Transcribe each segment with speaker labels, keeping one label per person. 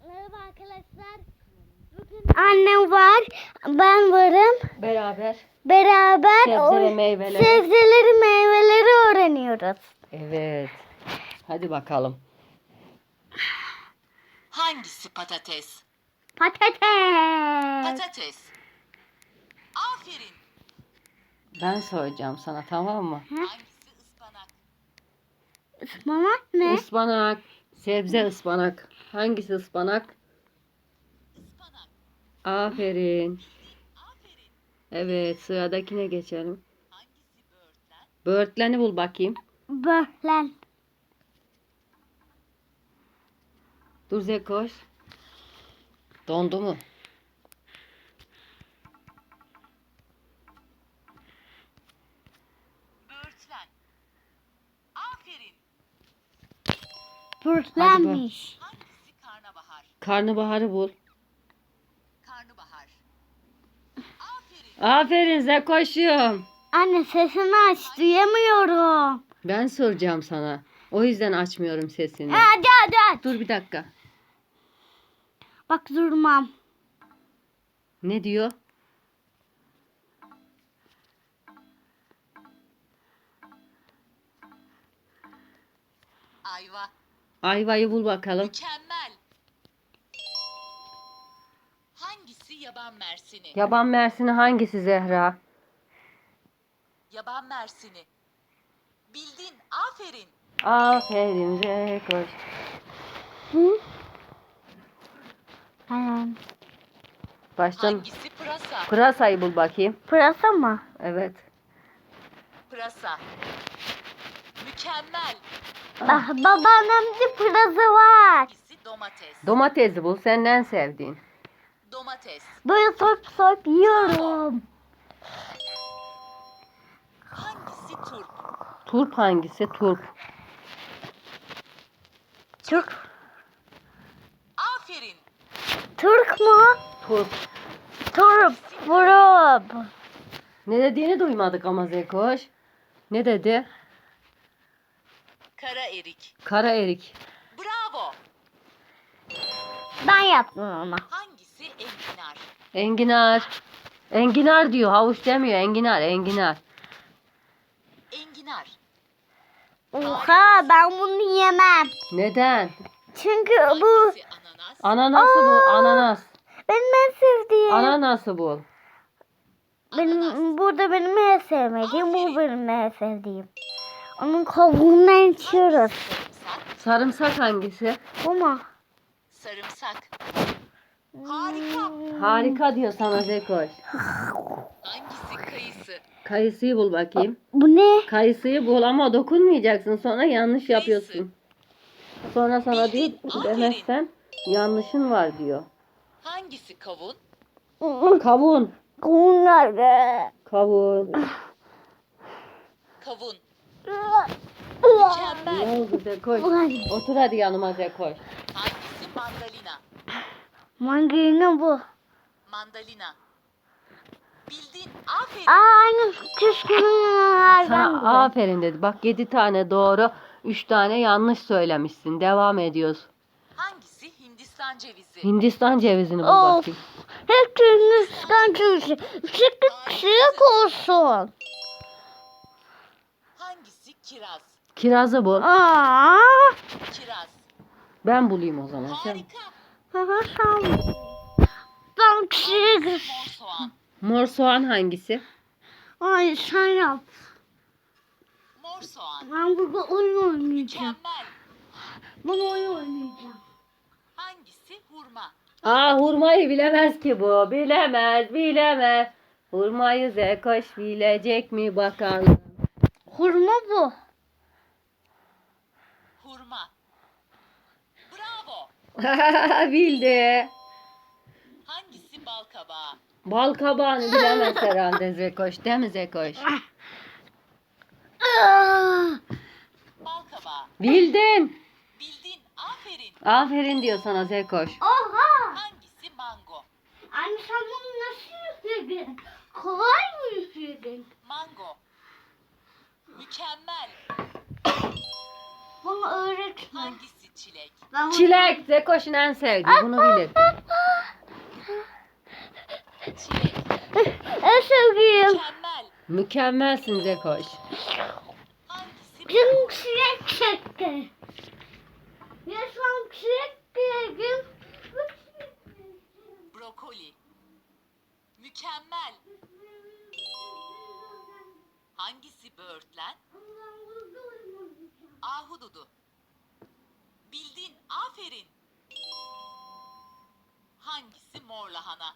Speaker 1: Merhaba arkadaşlar. Bugün annem var, ben varım. Beraber sebzeleri, meyveleri öğreniyoruz.
Speaker 2: Evet. Hadi bakalım.
Speaker 3: Hangisi patates?
Speaker 1: Patates.
Speaker 3: Patates. Aferin.
Speaker 2: Ben soracağım sana, tamam mı?
Speaker 3: Hangisi ıspanak?
Speaker 1: Ispanak ne?
Speaker 2: Ispanak. Sebze ıspanak. Hangisi ıspanak?
Speaker 3: Ispanak.
Speaker 2: Aferin.
Speaker 3: Aferin.
Speaker 2: Evet, sıradakine geçelim.
Speaker 3: Hangisi böğürtlen?
Speaker 2: Böğürtleni bul bakayım.
Speaker 1: Böğürtlen.
Speaker 2: Dur Zekoş. Dondu mu?
Speaker 3: Böğürtlen. Aferin.
Speaker 1: Böğürtlenmiş.
Speaker 3: Hangisi karnabahar?
Speaker 2: Karnabaharı bul.
Speaker 3: Karnabahar. Aferin.
Speaker 2: Aferin Zekoş'um.
Speaker 1: Anne sesini aç, duyamıyorum.
Speaker 2: Ben soracağım sana. O yüzden açmıyorum sesini.
Speaker 1: Hadi.
Speaker 2: Dur bir dakika.
Speaker 1: Bak durmam.
Speaker 2: Ne diyor?
Speaker 3: Ayva.
Speaker 2: Ayvayı bul bakalım.
Speaker 3: Mükemmel. Hangisi yaban mersini?
Speaker 2: Yaban mersini hangisi Zehra?
Speaker 3: Yaban mersini. Bildin. Aferin.
Speaker 2: Aferin Zekoş.
Speaker 1: Hı? Tamam.
Speaker 2: Baştan
Speaker 3: Hangisi pırasa?
Speaker 2: pırasayı bul bakayım.
Speaker 1: Pırasa mı?
Speaker 2: Evet.
Speaker 3: Pırasa. Mükemmel.
Speaker 1: Babaannemde pırasa var.
Speaker 3: Hangisi domates?
Speaker 2: Domatesi bul, senin en sevdiğin.
Speaker 3: Domates.
Speaker 1: Böyle soyup yiyorum.
Speaker 3: Hangisi turp?
Speaker 2: Turp hangisi? Turp.
Speaker 1: Türk.
Speaker 3: Aferin.
Speaker 1: Türk mu?
Speaker 2: Turp.
Speaker 1: Turp. Vurup.
Speaker 2: Ne dediğini duymadık ama Zekoş. Ne dedi?
Speaker 3: Kara erik.
Speaker 2: Kara erik.
Speaker 3: Bravo.
Speaker 1: Ben yaptım ama.
Speaker 3: Hangisi enginar?
Speaker 2: Enginar. Enginar diyor, havuç demiyor. Enginar, enginar.
Speaker 3: Enginar.
Speaker 1: Oha ben bunu yemem.
Speaker 2: Neden?
Speaker 1: Çünkü bu
Speaker 3: Hangisi ananas?
Speaker 2: Ananası bul, ananas.
Speaker 1: benim en sevdiğim.
Speaker 2: Ananası bul.
Speaker 1: Benim en sevmediğim. Bu benim en sevdiğim. Onun kabuğundan içiyoruz.
Speaker 3: Sarımsak.
Speaker 2: Sarımsak hangisi?
Speaker 1: Bu mu?
Speaker 3: Sarımsak. Harika.
Speaker 2: Harika diyor sana Zekoş.
Speaker 3: Hangisi kayısı?
Speaker 2: Kayısıyı bul bakayım.
Speaker 1: Bu ne?
Speaker 2: Kayısıyı bul ama dokunmayacaksın. Sonra yanlış yapıyorsun. Sonra sana diyor
Speaker 3: Bildin,
Speaker 2: demezsen yanlışın var diyor.
Speaker 3: Hangisi kavun?
Speaker 2: Kavun.
Speaker 1: Kavun nerede?
Speaker 2: Kavun.
Speaker 3: Kavun.
Speaker 2: Ne
Speaker 3: Mükemmel.
Speaker 2: oldu Zekoş? Otur hadi yanıma Zekoş.
Speaker 3: Hangisi mandalina?
Speaker 1: Mandalina bu.
Speaker 3: Mandalina. Bildin. Aferin.
Speaker 1: Aynı küskünlerden
Speaker 2: Sana aferin dedi. Bak 7 tane doğru, 3 tane yanlış söylemişsin. Devam ediyoruz.
Speaker 3: Hangisi Hindistan cevizi?
Speaker 2: Hindistan cevizini bul
Speaker 1: Of.
Speaker 2: bakayım.
Speaker 1: Hep Hindistan cevizi. Sıkık olsun.
Speaker 3: Hangisi kiraz?
Speaker 2: Kirazı bul.
Speaker 1: Aa.
Speaker 3: Kiraz.
Speaker 2: Ben bulayım o zaman. Sen.
Speaker 3: Harika.
Speaker 1: Ben çiğ.
Speaker 3: Mor soğan.
Speaker 2: Mor soğan hangisi?
Speaker 1: Ay sen yap.
Speaker 3: Mor soğan.
Speaker 1: Ben burada oyun oynayacağım.
Speaker 3: Mükemmel.
Speaker 1: Ben oyun oynayacağım.
Speaker 3: Hangisi hurma?
Speaker 2: Aa, hurmayı bilemez ki bu. Bilemez. Hurmayı Zekoş bilecek mi bakalım.
Speaker 1: Hurma bu.
Speaker 3: Hurma. Bravo.
Speaker 2: Bildi.
Speaker 3: Hangisi bal kabağı?
Speaker 2: Bal kabağını bilemez herhalde Zekoş. Değil mi Zekoş?
Speaker 3: Bal kabağı.
Speaker 2: Bildin.
Speaker 3: Bildin. Aferin.
Speaker 2: Aferin diyor sana Zekoş.
Speaker 1: Oha.
Speaker 3: Hangisi mango?
Speaker 1: Anne sen bunu nasıl yükledin? Kolay mı yükledin?
Speaker 3: Mango. Mükemmel.
Speaker 1: Bana öğretme.
Speaker 3: Hangisi Çilek.
Speaker 1: Ben
Speaker 2: Çilek. Zekoş'un en sevdiği. Bunu bilir.
Speaker 3: Çilek.
Speaker 1: En sevdiğim.
Speaker 3: Mükemmel.
Speaker 2: Mükemmelsin Zekoş.
Speaker 3: Hangisi
Speaker 1: Canım çilek çekti. Yaşam çilek yedim.
Speaker 3: brokoli? Mükemmel. Hangisi böğürtlen? Ahududu. Bildin, aferin. Hangisi mor lahana?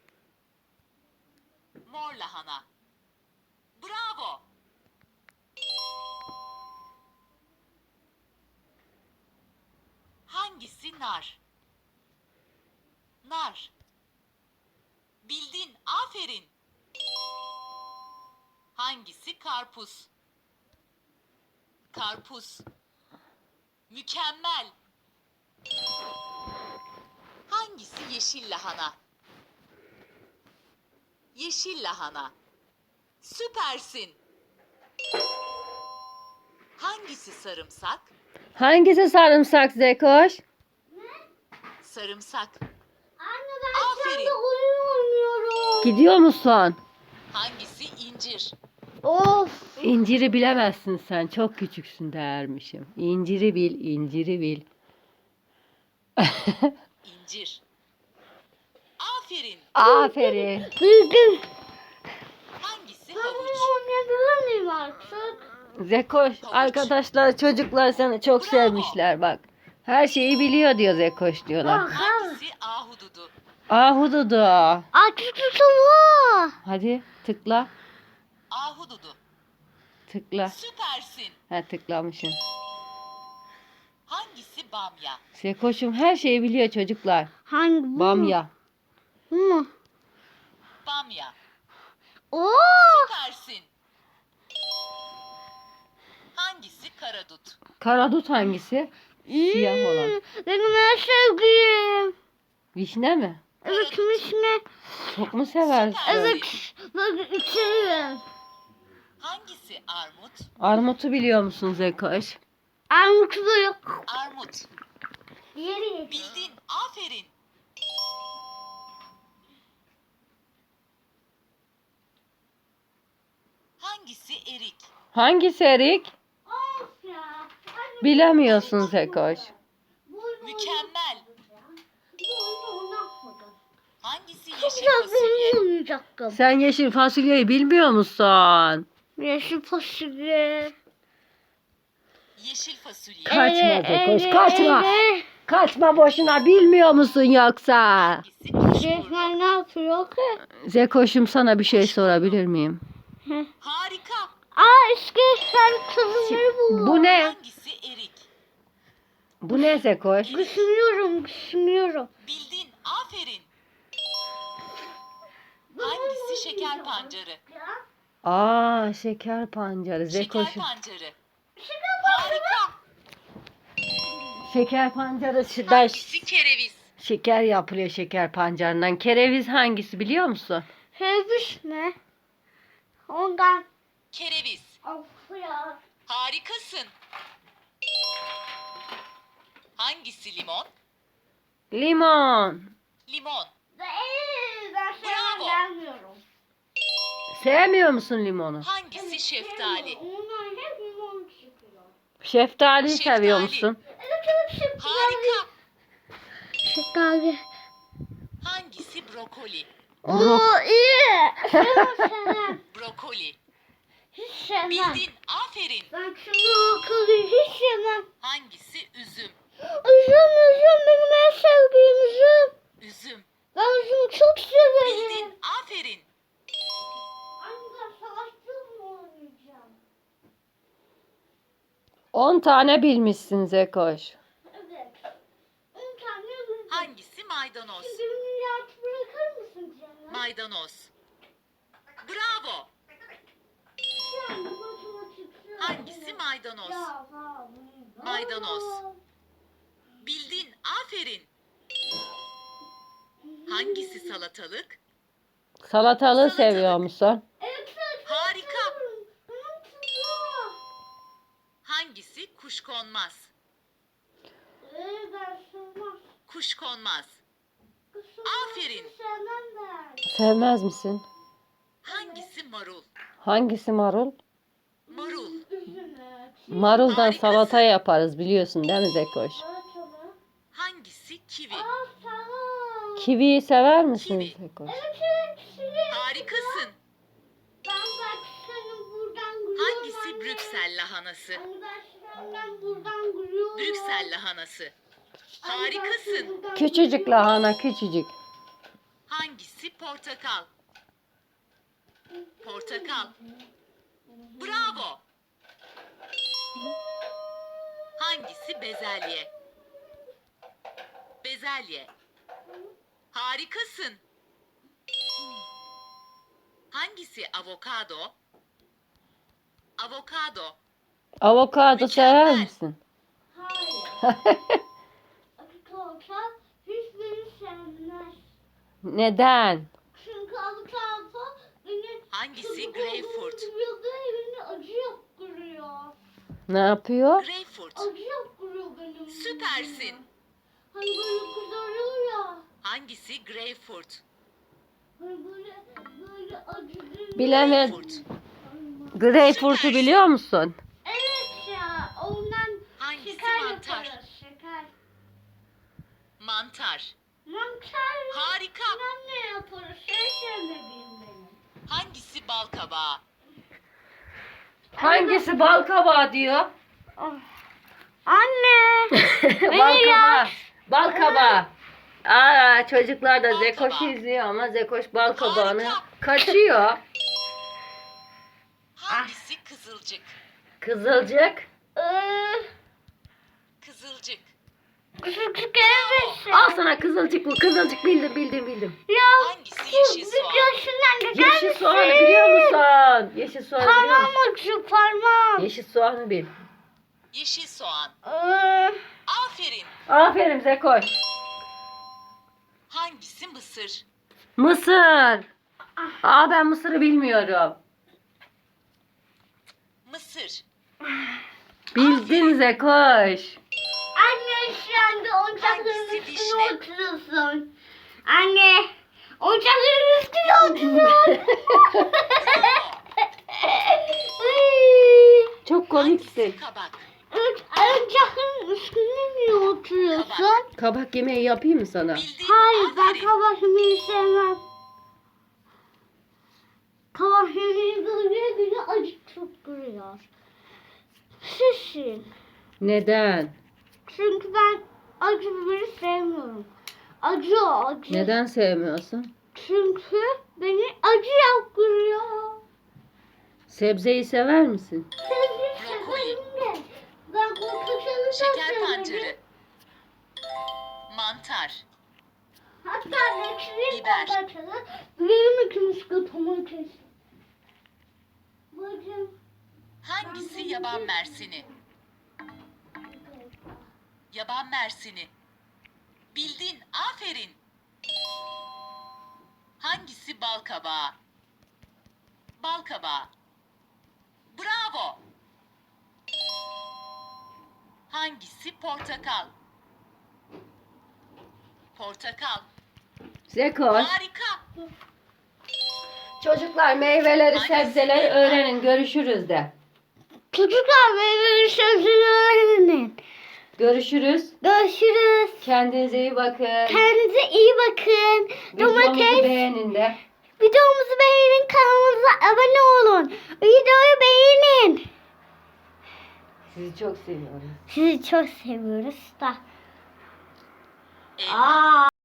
Speaker 3: Mor lahana. Bravo. Hangisi nar? Nar. Bildin, aferin. Hangisi karpuz? Karpuz. Mükemmel. Hangisi yeşil lahana? Yeşil lahana. Süpersin. Hangisi sarımsak?
Speaker 2: Hangisi sarımsak Zekoş?
Speaker 3: Sarımsak.
Speaker 1: Anne ben
Speaker 3: Aferin.
Speaker 1: şu anda oyun oynuyorum.
Speaker 2: Gidiyor musun?
Speaker 3: Hangisi incir?
Speaker 1: Of.
Speaker 2: İnciri bilemezsin sen. Çok küçüksün dermişim. İnciri bil, inciri bil.
Speaker 3: İncir. Aferin.
Speaker 2: Aferin.
Speaker 1: Bildim.
Speaker 3: Hangisi
Speaker 1: Ben
Speaker 3: havuç?
Speaker 1: oyun oynayabilir miyim artık?
Speaker 2: Zekoş, arkadaşlar, çocuklar seni çok
Speaker 3: Bravo.
Speaker 2: sevmişler bak. Her şeyi biliyor diyor Zekoş diyorlar.
Speaker 1: Bak.
Speaker 3: Hangisi ahududu?
Speaker 2: Ahududu.
Speaker 1: Artık tutumu.
Speaker 2: Hadi tıkla.
Speaker 3: Ahududu.
Speaker 2: Tıkla.
Speaker 3: Süpersin.
Speaker 2: Ha, tıklamışım.
Speaker 3: Hangisi bamya?
Speaker 2: Zekoş'um her şeyi biliyor çocuklar.
Speaker 1: Hangi bu?
Speaker 2: Bamya.
Speaker 1: Bu mu?
Speaker 3: Bamya.
Speaker 1: Oo.
Speaker 3: Süpersin. Hangisi karadut?
Speaker 2: Karadut hangisi? Siyah olan.
Speaker 1: Benim en sevdiğim.
Speaker 2: Vişne mi?
Speaker 1: Evet ne?
Speaker 2: Çok mu seversin?
Speaker 1: Evet. Bak içerim.
Speaker 3: Hangisi armut?
Speaker 2: Armutu biliyor musun Zekoş?
Speaker 1: Armut da yok.
Speaker 3: Armut.
Speaker 1: Yeri.
Speaker 3: Bildin. Aferin. Hangisi erik?
Speaker 2: Hangisi erik?
Speaker 1: Of ya. Hadi
Speaker 2: Bilemiyorsun Zekoş.
Speaker 1: bu oyunu
Speaker 3: Mükemmel.
Speaker 1: oynatmadım.
Speaker 3: Hangisi
Speaker 1: Çok
Speaker 3: yeşil
Speaker 1: güzel bir
Speaker 3: fasulye?
Speaker 1: oyun oynayacaktım.
Speaker 2: Sen yeşil fasulyeyi bilmiyor musun?
Speaker 1: Yeşil fasulye.
Speaker 3: Yeşil fasulye.
Speaker 2: Kaçma Zekoş, kaçma. Kaçma boşuna, bilmiyor musun yoksa?
Speaker 3: Hangisi kuşburnu?
Speaker 1: Resmen ne yapıyor ki?
Speaker 2: Zekoş'um, sana bir şey sorabilir miyim?
Speaker 3: Harika.
Speaker 1: Aa işte sen kızımları buldum.
Speaker 2: Bu ne?
Speaker 3: Hangisi erik?
Speaker 2: Bu ne Zekoş?
Speaker 1: Düşünüyorum.
Speaker 3: Bildin. Aferin. Hangisi şeker pancarı?
Speaker 2: Aa, şeker pancarı
Speaker 3: Şeker
Speaker 2: Zekoş'um.
Speaker 3: pancarı. Harika.
Speaker 2: Şeker pancarı
Speaker 3: Hangisi kereviz?
Speaker 2: şeker yapılıyor şeker pancarından. Kereviz hangisi biliyor musun?
Speaker 1: Sevmiş ne? Ondan.
Speaker 3: Kereviz.
Speaker 1: Of ya.
Speaker 3: Harikasın. Hangisi limon?
Speaker 2: Limon.
Speaker 3: Limon.
Speaker 1: Ben
Speaker 3: Bravo.
Speaker 1: gelmiyorum.
Speaker 2: Sevmiyor musun limonu?
Speaker 3: Hangisi şeftali?
Speaker 1: Onlar hep limon çıkıyor.
Speaker 2: Şeftaliyi
Speaker 3: Şeftali.
Speaker 2: seviyor musun?
Speaker 1: Evet şeftali.
Speaker 3: Harika.
Speaker 1: Şeftali.
Speaker 3: Hangisi brokoli?
Speaker 1: Oo iyi. Sevmem.
Speaker 3: Brokoli.
Speaker 1: Hiç sevmem.
Speaker 3: Bildin. Aferin.
Speaker 1: Ben şunu akıllı hiç sevmem.
Speaker 3: Hangisi üzüm?
Speaker 1: Üzüm benim en sevdiğim üzüm.
Speaker 3: Üzüm.
Speaker 1: Ben üzümü çok severim.
Speaker 3: Bildin. Aferin.
Speaker 1: Anne savaşçı mı oynayacağım?
Speaker 2: 10 tane bilmişsin Zekoş.
Speaker 1: Evet. 10 tane üzüm.
Speaker 3: Hangisi maydanoz?
Speaker 1: Şimdi beni rahat bırakır mısın canım?
Speaker 3: Maydanoz. Bravo.
Speaker 1: Şu anda matematik.
Speaker 3: Hangisi maydanoz? Maydanoz. Bildin. Aferin. Hangisi salatalık?
Speaker 2: Salatalığı
Speaker 3: Salatalık.
Speaker 2: seviyor musun?
Speaker 1: Evet.
Speaker 3: Harika.
Speaker 1: Benim tutuyor.
Speaker 3: Hangisi kuşkonmaz? kuş konmaz. Aferin.
Speaker 2: Sevmez misin?
Speaker 3: Hangisi marul?
Speaker 2: Hangisi marul?
Speaker 3: Marul.
Speaker 2: Maruldan
Speaker 3: Harikasın.
Speaker 2: salata yaparız biliyorsun değil mi Zekoş?
Speaker 3: Hangisi kivi?
Speaker 2: Kiviyi sever misin
Speaker 3: Kivi.
Speaker 2: Zekoş?
Speaker 3: Harikasın. Hangisi Brüksel lahanası? Brüksel lahanası. Harikasın.
Speaker 2: Küçücük lahana küçücük.
Speaker 3: Hangisi portakal? Portakal. Bravo. Hangisi bezelye? Bezelye. Harikasın. Hangisi avokado? Avokado.
Speaker 2: Avokado sever
Speaker 3: Mükemmel.
Speaker 2: misin?
Speaker 1: Hiçbiri sevmez.
Speaker 2: Neden?
Speaker 1: Çünkü avokado beni
Speaker 3: Hangisi greyfurt?
Speaker 1: Beni acı yaptırıyor.
Speaker 2: Ne yapıyor?
Speaker 3: Greyfurt.
Speaker 1: Acı yaptırıyor benim.
Speaker 3: Süpersin.
Speaker 1: Hani böyle kızarıyor ya.
Speaker 3: Hangisi greyfurt?
Speaker 1: Hani böyle acı.
Speaker 2: Bilemez.
Speaker 3: Greyfurt.
Speaker 2: Greyfurt'u biliyor musun?
Speaker 1: Evet ya. Ondan
Speaker 3: Hangisi
Speaker 1: şeker
Speaker 3: mantar?
Speaker 1: yaparız. Şeker.
Speaker 3: Mantar.
Speaker 1: Mantar.
Speaker 3: Harika.
Speaker 1: Ben ne yaparız? Sevmediğim benim.
Speaker 3: Hangisi balkabağı?
Speaker 2: Hangisi balkabağı diyor?
Speaker 1: Anne.
Speaker 2: Balkabağı. Balkabağı. Aa, çocuklar da
Speaker 3: Balkabağı.
Speaker 2: Zekoş'u izliyor ama Zekoş balkabağını
Speaker 3: Harika.
Speaker 2: kaçıyor.
Speaker 3: Hangisi kızılcık?
Speaker 2: Kızılcık.
Speaker 3: Kızılcık.
Speaker 1: Küçük evet.
Speaker 2: Al sana kızılcık bu. Kızılcık bildim.
Speaker 1: Ya
Speaker 3: Hangisi yeşil soğan?
Speaker 1: videosundan geçer
Speaker 2: Yeşil soğanı biliyor musun? Yeşil soğanı biliyor musun?
Speaker 1: Parmağım acıyor parmağım.
Speaker 2: Yeşil soğanı bil.
Speaker 3: Yeşil soğan. Aferin.
Speaker 2: Aferin Zekoş.
Speaker 3: Hangisi mısır?
Speaker 2: Mısır. Aa, ben mısırı bilmiyorum.
Speaker 3: Mısır.
Speaker 2: Bildin Zekoş.
Speaker 1: Anne şu anda oyuncakların
Speaker 3: Hangisi
Speaker 1: üstüne
Speaker 3: vişne?
Speaker 1: oturuyorsun. Anne oyuncakların üstüne oturuyorsun.
Speaker 2: Çok komiksin.
Speaker 3: Hangisi kabak?
Speaker 1: Oyuncakların üstüne niye oturuyorsun?
Speaker 2: Kabak yemeği yapayım mı sana?
Speaker 3: Bildin.
Speaker 1: Hayır ben
Speaker 3: Aferin.
Speaker 1: kabak yemeği sevmem. Kabak yemeği böyle beni acı tutturuyor. Şişin.
Speaker 2: Neden?
Speaker 1: Çünkü ben acı biberi sevmiyorum. Acı.
Speaker 2: Neden sevmiyorsun?
Speaker 1: Çünkü beni acı yaptırıyor.
Speaker 2: Sebzeyi sever misin?
Speaker 3: Brokoli.
Speaker 1: Ben korkuşanı
Speaker 3: Şeker pancarı. Mantar.
Speaker 1: Hatta lekşinin
Speaker 3: Biber.
Speaker 1: pancarı. Benim ikimiz götümü kesin. Bacım.
Speaker 3: Hangisi yaban mersini? Yaban mersini. Bildin. Aferin. Hangisi balkabağı? Balkabağı. Bravo. Hangisi portakal? Portakal.
Speaker 2: Zekoş.
Speaker 3: Harika.
Speaker 2: Çocuklar meyveleri,
Speaker 3: Hangisi
Speaker 2: sebzeleri
Speaker 3: elma?
Speaker 2: öğrenin. Görüşürüz de.
Speaker 1: Çocuklar meyveli sözünü öğrenin.
Speaker 2: Görüşürüz.
Speaker 1: Görüşürüz.
Speaker 2: Kendinize iyi bakın.
Speaker 1: Kendinize iyi bakın.
Speaker 2: Videomuzu
Speaker 1: Domates.
Speaker 2: beğenin de.
Speaker 1: Videomuzu beğenin. Kanalımıza abone olun. Videoyu beğenin.
Speaker 2: Sizi çok seviyorum.
Speaker 1: Sizi çok seviyoruz da.
Speaker 3: Elma.